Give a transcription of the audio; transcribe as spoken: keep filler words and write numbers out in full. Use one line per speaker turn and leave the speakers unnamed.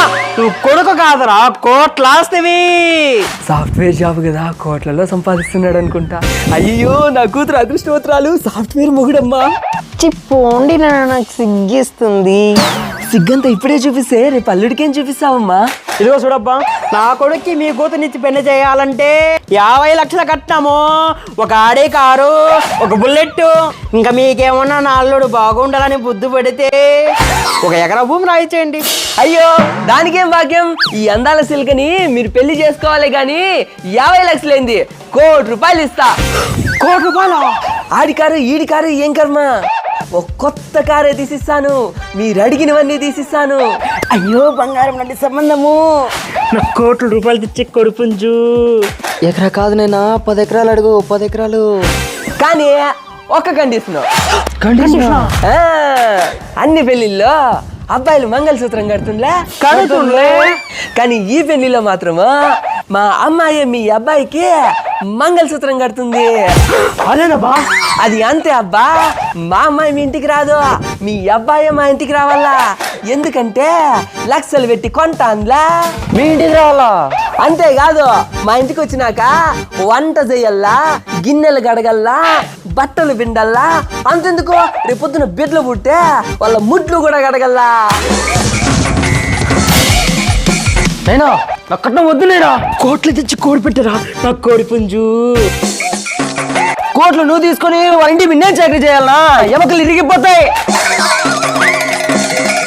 నువ్వు కొడుకు కాదురా, కోట్లాస్తివి.
సాఫ్ట్వేర్ జాబ్ కదా, కోట్లలో సంపాదిస్తున్నాడు అనుకుంటా. అయ్యో నా కూతురు అదృష్టవత్రాలు, సాఫ్ట్వేర్ మొగుడమ్మా.
చిప్పోండి నాకు సిగ్గిస్తుంది.
సిగ్గంతా ఇప్పుడే చూపిస్తే రేపు అల్లుడికేం చూపిస్తావమ్మా?
ఇదిగో చూడబ్బా, నా కొడుక్కి మీ కూతురునిచ్చి పెళ్లి చేయాలంటే యాభై లక్షల కట్టాము, ఒక ఆడే కారు, ఒక బుల్లెట్, ఇంకా మీకేమన్నా నా అల్లుడు బాగుండాలని బుద్ధి పెడితే ఒక ఎకరా భూమి రాయించేయండి.
అయ్యో దానికేం భాగ్యం, ఈ అందాల సిల్కని మీరు పెళ్లి చేసుకోవాలి గాని యాభై లక్షలేంది, కోటి రూపాయలు ఇస్తా.
కోటి రూపాయల
ఆడి కారు ఈడి కారు ఏం కర్మ, ఒక కొత్త కారే తీసిస్తాను, మీరు అడిగినవన్నీ తీసిస్తాను.
అయ్యో బంగారం లాంటి సంబంధము, నా కోట్ల రూపాయలు తెచ్చే కొడుపుంజు.
ఎకరా కాదు నైనా, పది ఎకరాలు అడుగు, పది ఎకరాలు. కానీ ఒక్క కండిషన్.
కండిషన్
అన్ని పెళ్లిల్లో అబ్బాయిలు మంగళసూత్రం కడుతుండ్లే
కడుతుండ్లే
కానీ ఈ పెళ్లిలో మాత్రము మా అమ్మాయి మీ అబ్బాయికి మంగళసూత్రం కడుతుంది.
అదేనబ్బా,
అది అంతే అబ్బా. మా అమ్మాయి మీ ఇంటికి రాదు, మీ అబ్బాయి మా ఇంటికి రావాలా. ఎందుకంటే లక్షలు పెట్టి కొంటాన్లా.
మీ ఇంటికి రావాలా?
అంతేకాదు, మా ఇంటికి వచ్చినాక వంట చెయ్యల్లా, గిన్నెలు గడగల్లా, బట్టలు పిండల్లా. అంతెందుకు, రేపొద్దున బిడ్డలు పుట్టే వాళ్ళ ముడ్లు కూడా గడగల్లా.
నేనా నా కట్నం వద్దు, నేనా కోట్లు తెచ్చి కోడి పెట్టరా నా కోడి పుంజు. కోట్లు నువ్వు తీసుకొని వాళ్ళ ఇంటి మీద చాకరీ చేయాలనా, ఎమకలు ఇరిగిపోతాయి.